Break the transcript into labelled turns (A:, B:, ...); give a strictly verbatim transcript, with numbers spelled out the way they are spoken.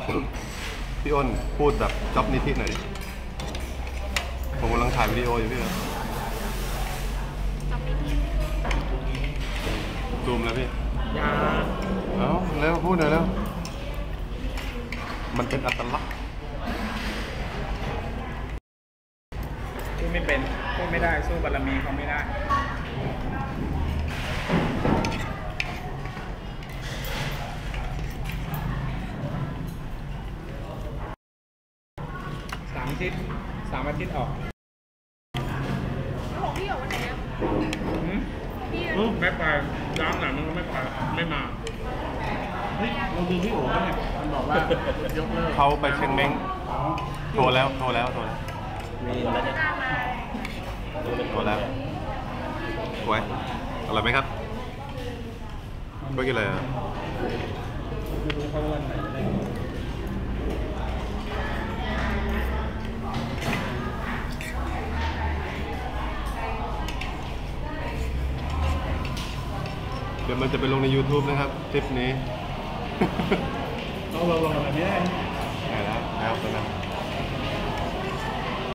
A: พี่อ้นพูดแบบจ็อบนิธิหน่อยดิผมกำลังถ่ายวิดีโออยู่พี่ซูมแล้วพี่ยาเอาแล้วพูดหน่อยแล้วมันเป็นอัตลักษณ์
B: พูดไม่เป็นพูดไม่ได้สู้บารมีเขาไม่ได้สามอาทิตย์สามอาทิตย์ออก
C: ของพี่ออกวันไหนอ่ะพี่
B: ไม่ไปร้านไหนมันก็ไม่ไปไม่มาเฮ้ยเราดูพี่โอ๋เนี่ยมันบอกว่ายกเลิก
A: เขาไปเชียงเม้งโทรแล้วโทรแล้วโทรแล้ว
C: มีแล้วจะ
A: โทรแล้วไว้อร่อยไหมครับก็กินอะไรอ่ะ
B: ไม่รู้เขาวันไหนได้
A: เดี๋ยวมันจะไปลงใน ยูทูบ นะครับคลิปนี้
B: ต้องลงลงอะไรไม่ได้
A: ได้แล้วแล้วตอนนั้น